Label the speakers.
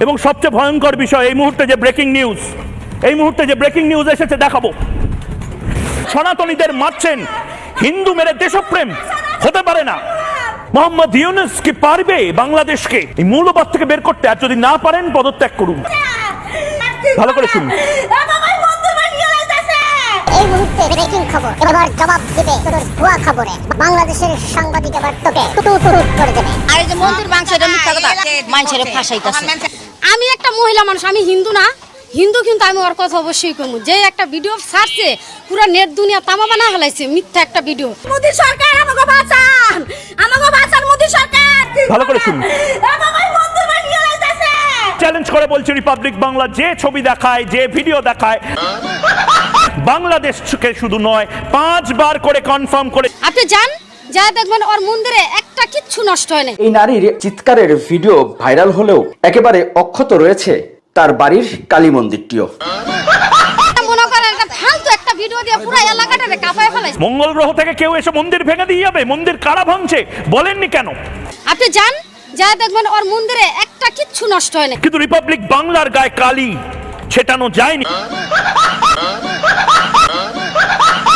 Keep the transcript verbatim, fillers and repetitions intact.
Speaker 1: এবং সবচেয়ে ভয়ঙ্কর বিষয়, এই মুহূর্তে যে ব্রেকিং নিউজ এই মুহূর্তে যে ব্রেকিং নিউজ এসেছে দেখাবো। সনাতনীদের মারছেন, হিন্দু মেরে দেশপ্রেম হতে পারে না। মোহাম্মদ ইউনূস কি পারবে বাংলাদেশকে এই মূল্যবোধ থেকে বের করতে? আর যদি না পারেন পদত্যাগ করুন। ভালো করে শুনুন।
Speaker 2: এই মুহূর্তে ব্রেকিং খবর, এবার জবাব দিবে তোর ভুয়া খবরে। বাংলাদেশের সাংবাদিক এবার তোকে তুতুতুত করে দেবে।
Speaker 3: আর এই যে মন্দির মাংস এটা মিথ্যা কথা, মানুষের ফাঁসাইতাছে।
Speaker 4: আমি একটা মহিলা মানুষ, আমি হিন্দু না, হিন্দু কিন্তু আমি ওর কথা অবশ্যই কমু। যে একটা ভিডিও ছাড়ছে পুরো নেট দুনিয়া তামা বানা ফেলাইছে, মিথ্যা একটা ভিডিও।
Speaker 3: মোদি সরকার আমাকে বাঁচান, আমাকে বাঁচান মোদি সরকার।
Speaker 1: ভালো করে শুনুন।
Speaker 3: আমাকে মন্দির বানিয়ে লাইতাছে।
Speaker 1: চ্যালেঞ্জ করে বলছি, রিপাবলিক বাংলা যে ছবি দেখায়, যে ভিডিও দেখায়, বাংলাদেশকে শুধু নয় পাঁচবার করে কনফার্ম করে।
Speaker 4: আপনি যান, যা দেখবেন ওর মন্দিরে একটা কিচ্ছু নষ্ট হয় না।
Speaker 5: এই নারীর চিৎকারের ভিডিও ভাইরাল হলেও একেবারে অক্ষত রয়েছে তার বাড়ির কালী মন্দিরটিও।
Speaker 4: মনে করেন একটা ফালতু একটা ভিডিও দিয়ে পুরো এলাকাটাকে কাঁপায় ফেলাইছে।
Speaker 1: মঙ্গল গ্রহ থেকে কেউ এসে মন্দির ভেঙে দিয়ে যাবে? মন্দির কারা ভাঙছে বলেননি কেন?
Speaker 4: আপনি যান, যা দেখবেন ওর মন্দিরে একটা কিচ্ছু নষ্ট হয় না।
Speaker 1: কিন্তু রিপাবলিক বাংলার গায়ে কালি ছেটানো যায়নি।